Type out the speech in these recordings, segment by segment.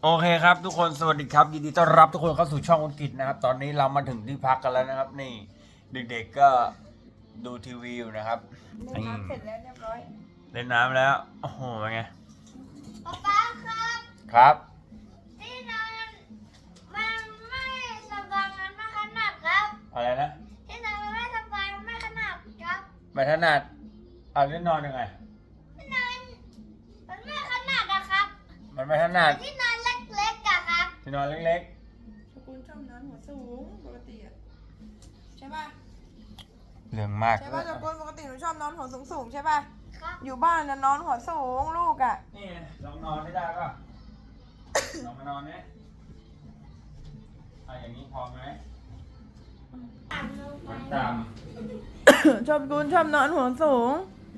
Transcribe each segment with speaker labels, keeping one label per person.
Speaker 1: โอเคครับทุกคนสวัสดีครับยินดีต้อนรับทุกคนเข้าสู่ช่องอังกฤษนะครับตอนนี้เรามาถึงที่พักกันแล้วนะครับนี่เด็กๆก็ดูทีวีอยู่นะครับ
Speaker 2: เล่นน้ำเสร็จแล้วเรียบร้อย
Speaker 1: เล่นน้ำแล้วโอ้โหเป็นไง
Speaker 3: ป๊าครับ
Speaker 1: ครับ
Speaker 3: ที่นอนมันไม่สบายมันไม่ขนาดครับ
Speaker 1: อะไรนะ
Speaker 3: ที่นอนมันไม่สบายมันไม่ขนาดครับ
Speaker 1: ไม่ถนัดเอาเล่นนอนยังไง
Speaker 3: ที่นอนมันไม่ขนาดนะครับ
Speaker 1: มันไม่ถนัด
Speaker 3: ที่นอนเล็กๆอะครับ
Speaker 1: ที่นอนเล็ก
Speaker 2: สกุลชอบนอนหัวสูงปกติอะใช่ป่ะ
Speaker 1: ๆเรื่องมาก
Speaker 2: ใช่ป่ะสกุลปกติหนูชอบนอนหัวสูงใช่ป่ะ
Speaker 3: ครับ
Speaker 2: อยู่บ้านนะนอนหัวสูงลูกอะ
Speaker 1: นี่ลองนอนไม่ได้ป่ะ ลองมานอนเนี่ยเอาอย่างนี้พอไหม
Speaker 3: ต่ำลงไป
Speaker 1: มันต่
Speaker 2: ชอบกุลชอบนอนหัวสูง
Speaker 1: ำ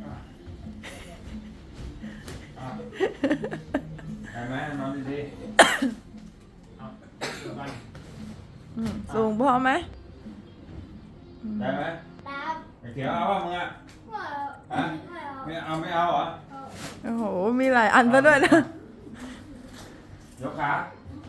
Speaker 1: ได้ไหมนอนดีๆเอาเดี๋ยวกัน
Speaker 2: สูงพอไหม
Speaker 1: ได้ไหม
Speaker 3: ตาม
Speaker 1: ไอ้เขียวเอาป่ะมึงอ่ะ
Speaker 3: หัว
Speaker 1: ฮะไม่เอาเหรอ
Speaker 2: โอ้โหมีหลายอันซะด้วยนะ
Speaker 1: ยกขา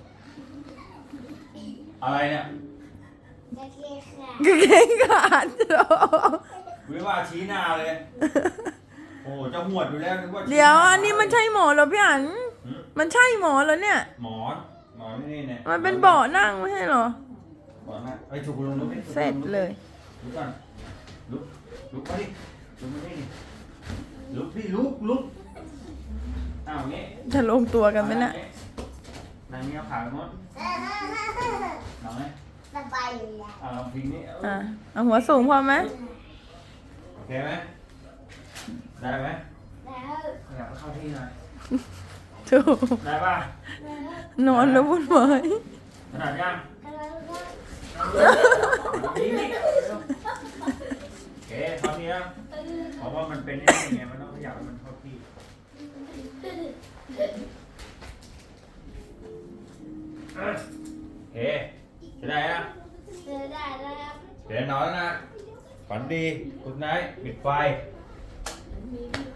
Speaker 1: อะไรเนี่ย
Speaker 3: จะเกลี่ยค่ะ
Speaker 2: กางเกงขาดโอ้
Speaker 1: วิว่าชี้หน้าเลย โอ้จะหวดอยู่แล้วนึกว่าชี้
Speaker 2: เดี๋ยว
Speaker 1: หา
Speaker 2: อันนี้มันใช่หมอเหรอพี่อัน
Speaker 1: หืม
Speaker 2: มันใช่หมอเหรอเนี่ย
Speaker 1: หมอนนี่เนี่ย
Speaker 2: มันเป็นเบาะนั่งไม่ใช่เหรอ
Speaker 1: เบาะนั่งไอ้ฉุกลงลุกดิ
Speaker 2: เสร็จเลย
Speaker 1: ลุกก่อนลุกไปดิลุกมาดิลุกดิลุกอ้าวงี้
Speaker 2: จะลงตัวกันไหมน่ะ
Speaker 1: นั่งนี้เอาขาไปหมดลองไหม
Speaker 3: สบายอยู่แล้ว
Speaker 1: ลองพิงนี่
Speaker 2: อ่ะเอาหัวสูงพอไหม
Speaker 1: โอเคไหมได้ไหม
Speaker 3: แล้ว
Speaker 1: อยากเข้าที่หน่อย
Speaker 2: ถูก
Speaker 1: ได้ป่ะ
Speaker 2: นอนแล้ววุ่นวาย
Speaker 1: ขนาดยัง
Speaker 3: แล้วก็
Speaker 1: นี่โอเคเข้าที่แล้วเพราะว่ามันเป็นยังไงมันต้องขยับให้มันเข้าที่โอเคจะได้นะ
Speaker 3: เจอได้แล้ว
Speaker 1: เดี๋ยวนอนแล้วนะฝันดีกุดไนท์ปิดไฟ
Speaker 3: บ